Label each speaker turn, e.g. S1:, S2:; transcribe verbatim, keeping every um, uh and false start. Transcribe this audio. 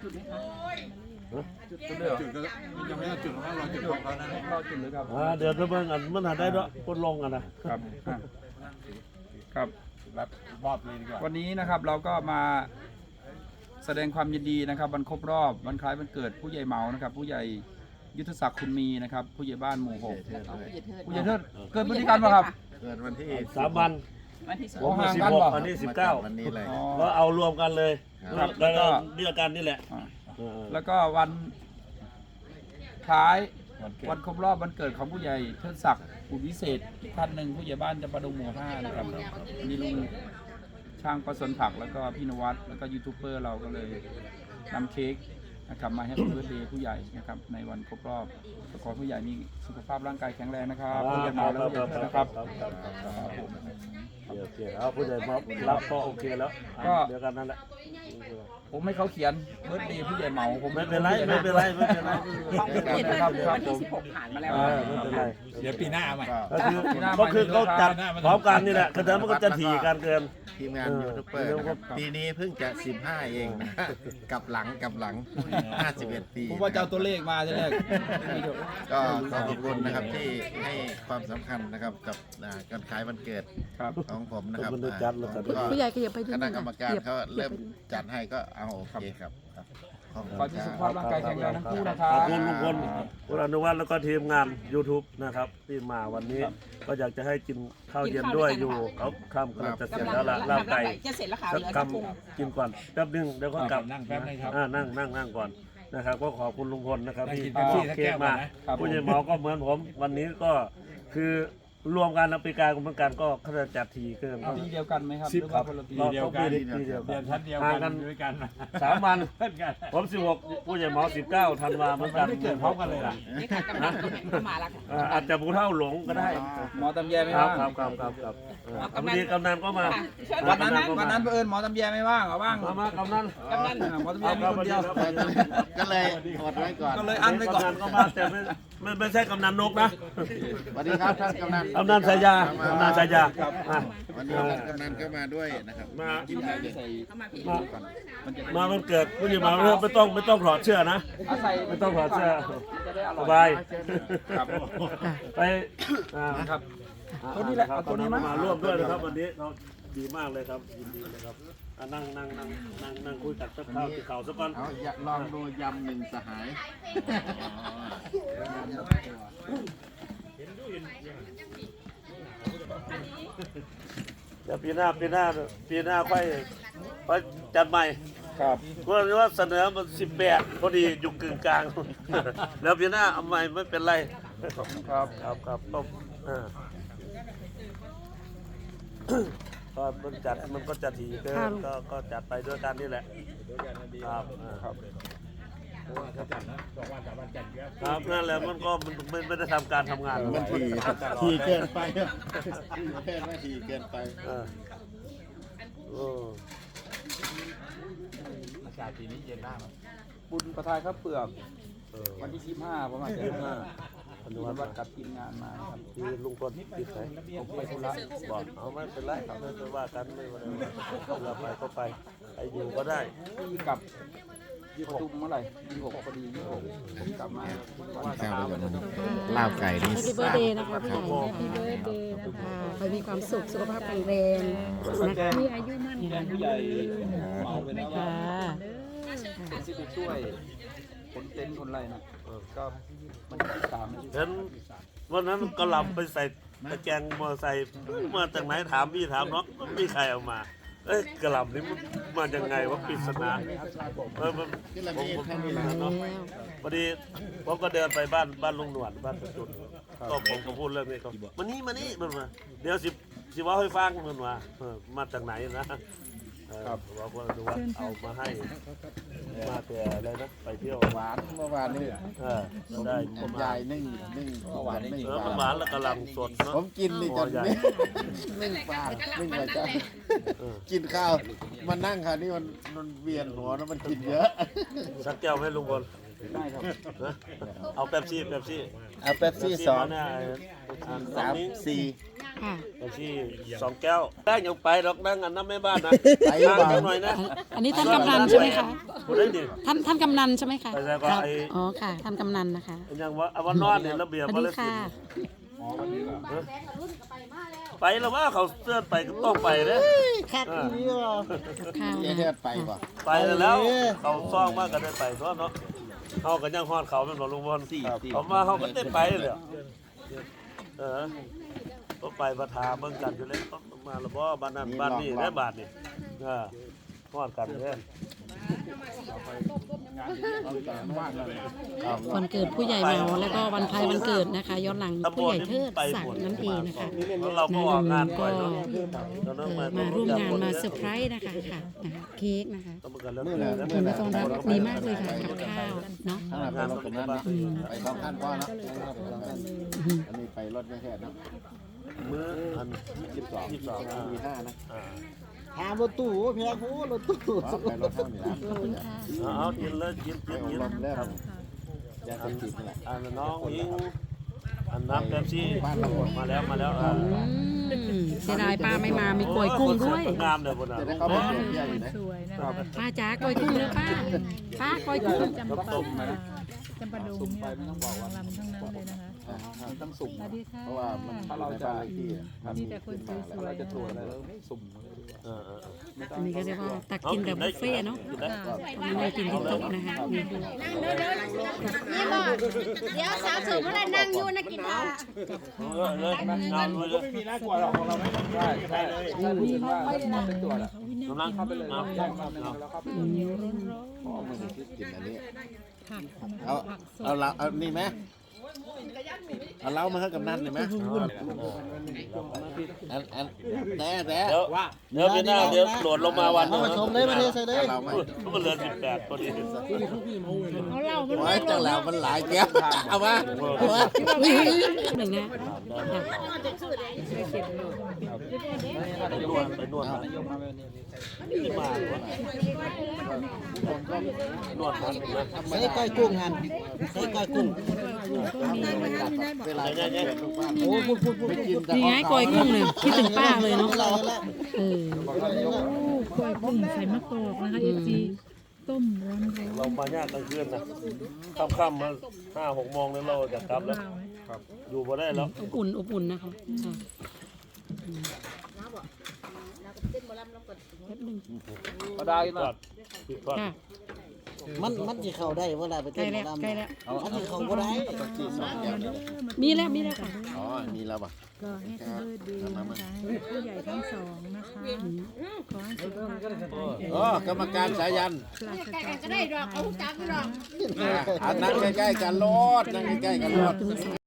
S1: จุดไหมคะจุด
S2: จุดเลยจุดก็ยังไม่ได้จุดของเราจุดของเรานะ
S1: รอจุดเลยครับ
S3: อ่าเดี๋ยวจะเบิ่งอันมันหาได้ด้วยคนลงกันนะครับ
S1: ครับ
S2: รับมอบเลยดีกว่า
S1: วันนี้นะครับเราก็มาแสดงความยินดีนะครับวันครบรอบวันคล้ายวันเกิดผู้ใหญ่เหมานะครับผู้ใหญ่ยุทธศักดิ์คุณมีนะครับผู้ใหญ่บ้านหมู่หกผู้ใหญ่เทิดเกิดพฤติกรรมป่ะครับ
S4: เกิดวันที่
S3: สามวัน
S5: วันที่ส
S3: ผ
S5: อง
S3: ม
S1: ห่าง
S3: สิบ
S1: กัน
S3: หก
S1: เหรอ
S3: อันนี้สิบเก้า
S4: วันนี้เลย
S1: อ๋อ
S3: ก็เอารวมกันเลย
S1: ครับ
S3: แล้วก็
S1: แล้วก็
S3: เดียวกันนี่แหละ
S1: อ่า
S3: เออ
S1: แล้วก็วันคล้าย
S2: วันเกิ
S1: วั
S2: ด
S1: นครบรอบวันเกิดของผู้ใหญ่เทิดศักดิ์อุวิเศษท่านหนึ่งผู้ใหญ่บ้านจำปาดงหมู่ห้านะครับมีลุงช่างประสนผักแล้วก็พี่นวัดแล้วก็ยูทูบเบอร์เราก็เลยนำเค้กนะครับมาให้เบิร์ธเดย์ผู้ใหญ่นะครับในวันครบรอบขอผู้ใหญ่มีสุขภาพร่างกายแข็งแรงนะครับผู้ใหญ่เหมาและผู้ใหญ่เทิดนะครับ
S3: โอเคเอาผู้ใหญ่มารับก็โอเคแล้ว
S1: ก็
S3: เดียวกันนั่นแหละ
S1: ผมให้เขาเขียนเบิร์ธเดย์ผู้ใหญ่เหมาผม
S3: ไม่เป็นไรไม่เป็นไรไม่เป็นไร
S5: ของผู้ใหญ่เทิดคือวันที่สิบหกผ่านมาแล้ว
S3: เออไม่เป็นไร
S2: เดี๋ยวปีหน้าเอาใหม่
S3: ก็คือก็คือเขาจัดพร้อมกันนี่แหละคือแต่มันก็จะถี่กันเกิน
S4: ทีมงาน
S3: เออ
S4: ยูทูบเบอร์นะครับปีนี้เพิ่งจะสิบห้าเองนะกลับหลังกลับหลังห้าสิบเอ็ดปี
S1: ผมว่าจะเอาตัวเลขมาทีแรก
S4: ก็ขอขอบคุณนะครับที่ให้ความสำคัญนะครับกับอ่าการขายวันเกิด
S1: ครับ
S4: ของผมนะครับ
S3: ขอบคุณด้วยจัดแล้วกัน
S4: ก็
S6: ผู้ใหญ่ขยับไปดู
S4: คณะกรรมการเขา
S6: ขยั
S4: เริ่
S6: บ
S4: ม
S6: ไปดู
S4: จัดให้ก็เอาโอเคครับครับขอบ
S1: ขอ
S4: คุณ
S1: ที่
S4: ค
S1: สุข
S4: รั
S1: ภาพ
S4: บ
S1: ร่างกายแข็งแรงทั้งคู่นะครั
S3: ขอบบ คุณลุงพลคุณอนุวัฒน์แล้วก็ทีมงาน YouTube นะครับที่มาวันนี้ก็อยากจะให้กินข้าวเย็นด้วยอยู่เขาค่ำกำลังจะเสร็จแล้วล่ะลาบไก่
S5: จะเสร็จแล้วค่ะ
S3: สั
S5: เห
S3: ก
S5: ลือ
S3: ค
S5: สักพุง
S3: ำกินก่อนแป๊บนึงเดี๋ยวก็กลับ
S2: นั่งแป๊บนึงครับ
S3: อ่านั่งนั่งนั่งก่อนนะครับก็ขอบคุณลุงพลนะครับ
S2: ได้
S3: ที่
S2: กินเป๊ปซี่สัก
S3: เค้
S2: แก้
S3: ก
S2: วก่อ
S3: มาน
S2: นะ
S1: ครับ
S3: ผู้ใหญ่หมอก็เหมือนผม วันนี้ก็คือรวมกันอปีการเหมือนกันก็เขาจะจัดทีเกิน
S1: ปีเดียวกันไหมครับ
S2: สิบ
S1: หรือว่าคนละปี
S3: เรา
S2: เดียว
S3: ต้อง
S2: กัน
S3: ปีปีเดียว
S2: เรี
S3: กั
S2: ย
S3: น
S2: นชั้นเดียว
S3: ห่าง
S2: กั
S3: กัน น
S2: ด้วยกัน
S3: สามวัน
S2: เพื่อนกัน
S3: ผมสิบหกผู้ใหญ่หมอสิบเก้าธันวาเหมือนกัน
S2: ไม่เกิดพร้อมกันเลยล่ะ
S5: นี่ค่ะกำลังเข้ามาแล้วค่ะ
S3: อ่าอาจจะผู้เท่าหลงก็ได้
S1: หมอตำแยไม่
S3: ครับ
S1: ว่าง
S3: ครับครับครับครับเออพอดีกำนันก็มา
S1: วันนั้นวันนั้นเผอิญหมอตำแยไม่ว่างเหรอว่าง
S3: มามากำนัน
S5: กำนัน
S1: อ่าหมอตำแยมีคนเดียว
S4: ก็เลยอดไว้ก่อน
S1: ก็เลยอันไว้ก่อน
S3: กำนันก็มาแต่ไม่ไม่ไม่ใช่กำนันนกนะ
S4: สวัสดีครับท่านกำนัน
S3: กำนันสายากำนันสายาอ่ะ
S4: วันนี้ท่านกำนันก็มาด้วยนะครับ
S3: มา
S1: กินอะไรใส่
S5: เข้ามาพี่
S3: มา
S1: มันจะได้
S3: มาวันเกิดผู้ใหญ่หมอไม่ต้องไม่ต้องถอดเสื้อนะ
S1: เอาใส่
S3: ไม่ต้องถอดเสื้อ
S1: จะได้อ
S3: ส
S1: ร่อย
S3: บาย
S1: ครับ
S3: ไปอ่า
S1: ครับ ตัวนี้แหละเอาตัวนี้มั้ย
S3: มาร่วมด้วยนะครับวันนี้เราดีมากเลยครับยินดีเลยครับอ่ะนั่งนั่งนั่งนั่งนั่งคุยกับสักข้าวที่เขาสักก่อน
S4: เอาอย่าลองดูยำหนึ่งสหาย
S3: เดี๋ยวปีหน้าปีหน้าปีหน้าค่อยค่อยจัดใหม่
S1: ครับ
S3: ก็เรียกว่าเสนอมันสิบแปดพอดีอยู่กึ่งกลาง แล้วปีหน้าเอาใหม่ไม่เป็นไร
S1: ครับ
S3: ครับครับก็อ่า ก็มันจัดมันก็จะถี่เกินก็ก็จัดไปด้วยกันนี่แหละครับอ่าครับครับนั่นแหละมันก็มันไม่ไม่ได้ทำการทำงาน
S4: มันทีทีเกินไปทีเกินไปทีเกินไป
S3: เออโอ้
S2: อากาศปีนี้เย็นมาก
S1: บุญประทายข้าวเปลือก
S3: เออ
S1: วันที่สิบห้าประมาณสิบห้าอนุวัฒน์กับทีมงานมาครับ
S3: คือลุงพลติดไหน
S1: ผมไปธุระ
S3: บอกเอาไม่เป็นไรครับไม่เป็นว่ากันไม่เป็นไรเราไปก็ไปไปอยู่ก็ได้
S1: ที่กลับประตุมเมื่อไหร่ยี่สิบหกพอดียี่สิบหกผมกลับมาวัน
S4: ข้าว
S1: เสา
S4: ไป
S1: ร์
S4: ก่อนนะลาบไก่นี่
S6: แฮปปี้เบิร์ดเดย์นะคะผู้ใหญ่แฮปปี้เบิร์ดเดย์นะคะขอให้มีความสุขสุขภาพแข็งแรงนะคะมีอายุมั่น
S1: แทนผู้ใหญ่เมาไปแล้วว่า
S6: ค่ะ
S1: เป็นที่ไปช่วยคนเต็นท์คนไรนะก็มันที่สามนะ
S3: เห็นวันนั้นก็หลับไปใส่ตะแกรงมอไซค์มาจากไหนถามพี่ถามน้องไม่มีใครเอามา เอ้ยกระหล่ำนี่มันมายังไงวะปริศนาเออมันผมผมเนาะพอดีผมก็เดินไปบ้านบ้านลุงหนวดบ้านประจุดก็ผมก็พูดเรื่องนี้ก็มานี่มานี่มันมาเดี๋ยวสิสิว่าให้ฟังมันว่าเออมาจากไหนนะเออว่าว่าดูว่าเอามาให้มาแต่อะไรนะไปเที่ยว
S4: หวานเมื่อวานนี้
S3: เออได้
S4: ผมยายนึ่งนึ่งหวานนึ่ง
S3: เออ
S4: ป
S3: มันห
S4: ลาว
S3: านแล้วกระหล่ำสดเนาะ
S4: ผมกินนี่จนนึ่งนึ่งปลานึ่งปลาจ้ากินข้าวมันนั่งค่ะนี่มันมันเวียนหัวแล้วมันกินเยอะ
S3: สักแก้วให้ลุงพล
S1: ได้ครับ
S3: นะเอาแป๊บซี่แป๊บซี่
S4: เอาเป๊ปซี่สอง
S3: เนี่ยอ่า
S4: สามสี่
S6: ค่ะ
S3: เป๊ปซี่สองแก้วได้ยังไปดอกนั่งอันน้ำแม่บ้านนะ
S4: ไป
S3: นั่ง
S4: บ้า
S3: จั
S4: น
S3: งหน่อยนะ
S6: อันนี้ท่านกำนันใช่ไหมคะ
S3: พูดได้ดิ
S6: ท่านท่านกำนันใช่ไหมคะ
S3: ไปใส่ก็ไอ้
S6: อ๋อค่ะท่านกำนันนะคะ
S3: ยังว่าเอาว่านอนเนี่ยระเบียบ
S6: สวัส
S3: มา
S6: ดี
S3: เลย
S6: ค่ะ
S3: ไปแล้วว่าเขาเสื้อไปก็ต้องไปเด้
S4: คัดอีนี่บ่
S6: กับข้าว
S4: เฮ็
S6: นะ
S4: ดไปบ่
S3: ไปแล้วเขาซ่องมากก็ได้ไปตัวเนาะเขากันยังฮอดเขาเป็นบ่ลุงพลเขามาเขาก็ได้ไปเลยเออก็ไปประทาเบิ่งกันอยู่เลยมาและบ่บ้านนั้นบ้านนี้ได้บาทนี่เออฮอดกันเด้
S6: วันเกิดผู้ใหญ่เมาแล้วก็วันคล้ายวันเกิดนะคะ ย้อนหลังผู้ใหญ่เทิดศักดิ์นั่นเองนะคะ
S3: เราก็ออกงาน
S6: ก็
S3: ก่อนเนาะ
S6: เอ่อมาร่วมงานมาเซอร์ไพรส์นะคะค่ะนะคะเค้กนะคะ
S4: มื้อน่ะ
S6: ผลต้อนรับดีมากเลยค่ะกับข้าวเนาะ
S4: ข้างหน้าไปรถกันนั้นนะไปสองคันพอเนาะอันนี้ไปรถแค่ๆเนาะ
S3: มื้ออัน
S4: ยี่สิบสอง
S3: ยี่สิบสอง
S4: มีห้านะ
S3: อ่า
S4: หารถตู้แพงโหรถตู้ไปรถเท่านี้นะ
S6: ขอบคุณค่ะ
S3: เอากินเลยกิน
S4: ไป
S3: กิน
S4: อบ
S3: กิน
S4: รมแล้ว
S3: ครับ
S4: ยาเสพติดนี่แหละ
S3: อันน้องอิงอันน้ำเป๊ปซี่มาแล้วมาแล้วอ่า
S6: อืมเสียดายป้าไม่มามีกล้วยกุ้งด้วย
S3: งามเลยบนน่ะ
S4: จะได้เข้าไปเปลี่ยนเยี่ยอยู่นะ
S7: สวยนะคะ
S6: ป้าจ๋ากล้วยกุ้งแล้วป้าป้ากล้วยกุ้ง
S7: จำปาดงจำปาดงเนี่ยนางรำทั้งนั้นเลยนะคะ
S1: มันต้องสุ่ม
S7: สวัสดีค่ะ
S4: เพราะว่ามัน
S1: ถ้าเราจะ
S4: ที่
S7: มีแต่คนสวย
S1: เรา
S7: ๆ
S1: จะ
S7: นะ
S1: ตรวจ
S7: คะ
S1: อะไรเราต้องสุ่มมาเลยดีกว่า
S3: เออเออ
S6: อันนี้ก็เรียกว่าตักกินแบบบุฟเฟ่ต์เนาะ
S3: กินได้
S6: ไม่ได้กินที่โต๊ะนะคะนี่
S8: นี่บอกเดี๋ยวสาวเสริมเมื่อไรนั่งอยู่นะกินข้าว
S3: เออเลยงามเลย
S2: ไม่มีน่ากลัวหรอกของเราไม่ต้อง
S1: ใช่ใช่ถ้าพูดถึงว่าเราเป็นตรวจอะ
S3: กำลัง
S1: เข้าไปเลย
S3: งาม
S1: แจ้งความแล้วเข้าไป
S6: อืม
S4: กินอันนี้เอาเอาเราเอานี่ไหมเอาเรามาให้กับนั่นเลยไหมอันอันแต่แต่
S3: เดี๋ยวเดี๋ยวพี่หน้าเดี๋ยวโหลดลงมาวันนึง
S4: มาชมเลยมาเทใส่เลยเราไหม
S3: มันเหลือสิบแปดพอดี
S8: เอาเหล้ามัน
S4: โอ้ยจังแล้วมันหลายแก้วเอามาเอามา
S6: หนึ่งนะ
S3: ไปนวดไปนวด
S1: ยกมาแบบนี้
S3: ที่มานวดมันนะ
S4: ใส่ก้อยกุ้งงานใส่ก้อยกุ้งเวลา
S3: เนี่ยเนี่ย
S4: โอ้พูดพูดพูดกินแต่
S6: นี่ไงกล้วยกุ้งเนี่ยคิดถึงป้าเลยเนาะเออ
S7: กล้วยกุ้งใส่มะกอกนะคะเอฟซีต้มร้อน
S3: เรามาย่างกลางคืนนะค่ำๆมาห้าหกโมงแล้วเราจะกลับแล้วอยู่บ่ได้แล้ว
S6: อบอุ่นอบอุ่นนะคะค่ะแป๊บหนึง
S1: ก็ได้
S3: ทอ
S1: นะ
S3: ดผิดทอด
S6: ค่ะ
S9: มันมันจะเข้าได้เวลาไป
S6: ใกล้
S9: เต้นหม
S6: แล้ว
S9: อลำ
S6: ใกล้แล้ว
S9: มันจะเข้าบ่ได้
S4: ที่สองแก้ว
S6: มีแล้วมีแล้วค่ะ
S4: อ๋อมีแล้วป่ะ
S7: ก็ให้เธอดีนะคะให้ผู้ใหญ่ทั้งสองนะคะขอให้สุขภาพร่างกายแข็งแรง
S4: อ๋อกรรมการสายัน
S7: ปราศ
S8: แก
S7: จาก
S8: ก็ได้ดอกเอาจักดอก
S4: อ่ะนั่งใกล้ๆกันรถนั่งใกล้ๆกันรถ
S6: ถึงสอง